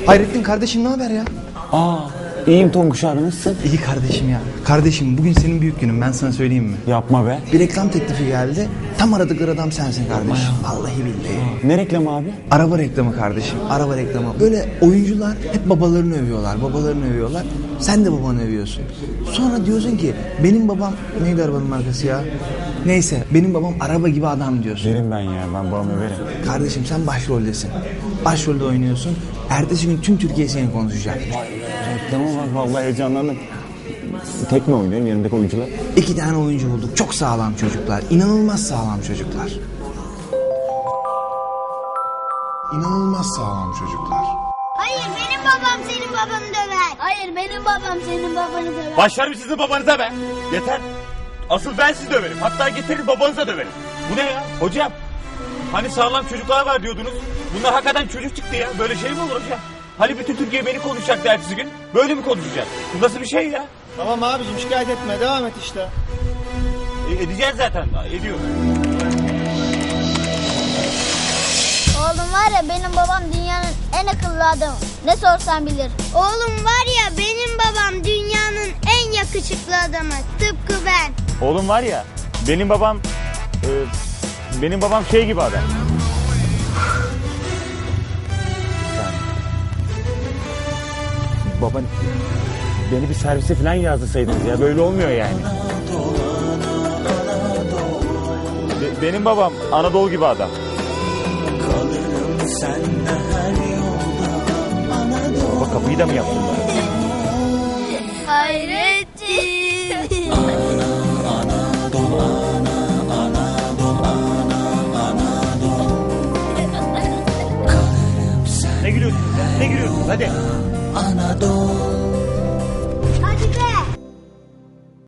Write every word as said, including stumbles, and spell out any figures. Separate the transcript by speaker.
Speaker 1: Hayrettin kardeşim ne haber ya?
Speaker 2: Aa, iyiyim Tonguç abi, nasılsın?
Speaker 1: İyi kardeşim ya. Kardeşim bugün senin büyük günün, ben sana söyleyeyim mi?
Speaker 2: Yapma be.
Speaker 1: Bir reklam teklifi geldi. Tam aradıkları adam sensin kardeşim. Vallahi billahi.
Speaker 2: Ne reklamı abi?
Speaker 1: Araba reklamı kardeşim. Araba reklamı. Böyle oyuncular hep babalarını övüyorlar. Babalarını övüyorlar. Sen de babanı övüyorsun. Sonra diyorsun ki benim babam neydi arabanın markası ya? Neyse benim babam araba gibi adam diyorsun.
Speaker 2: Derim ben ya, ben babamı överim.
Speaker 1: Kardeşim sen başroldesin. Başrolde oynuyorsun. Ertesi gün tüm Türkiye seni konuşacak.
Speaker 2: Reklama bak, vallahi heyecanlandım. Tek mi oynuyorum yanındaki oyuncular?
Speaker 1: İki tane oyuncu bulduk. Çok sağlam çocuklar. İnanılmaz sağlam çocuklar.
Speaker 3: İnanılmaz sağlam çocuklar.
Speaker 4: Hayır benim babam senin babanı döver. Hayır benim babam senin babanı döver.
Speaker 5: Başlarım sizin babanıza be. Yeter. Asıl ben sizi döverim. Hatta getirin babanıza döverim. Bu ne ya? Hocam. Hani sağlam çocuklar var diyordunuz. Bunlar hakikaten çocuk çıktı ya. Böyle şey mi olur hocam? Hani bütün Türkiye beni konuşacaktı ertesi gün. Böyle mi konuşacak? Bu nasıl bir şey ya?
Speaker 6: Tamam abicim, şikayet etme, devam et işte.
Speaker 5: E, edeceğiz zaten. Ediyoruz.
Speaker 4: Oğlum var ya benim babam dünyanın en akıllı adamı. Ne sorsan bilir. Oğlum var ya benim babam dünyanın en yakışıklı adamı. Tıpkı ben.
Speaker 5: Oğlum var ya. Benim babam... e, benim babam şey gibi adam. Baban... Beni bir servise falan yazdırsaydınız ya. Böyle olmuyor yani. Be- benim babam Anadolu gibi adam. Baba kapıyı da mı yaptın ben?
Speaker 4: Hayrettin.
Speaker 5: Ne gülüyorsunuz ya? Ne gülüyorsunuz? Hadi.
Speaker 7: Anadolu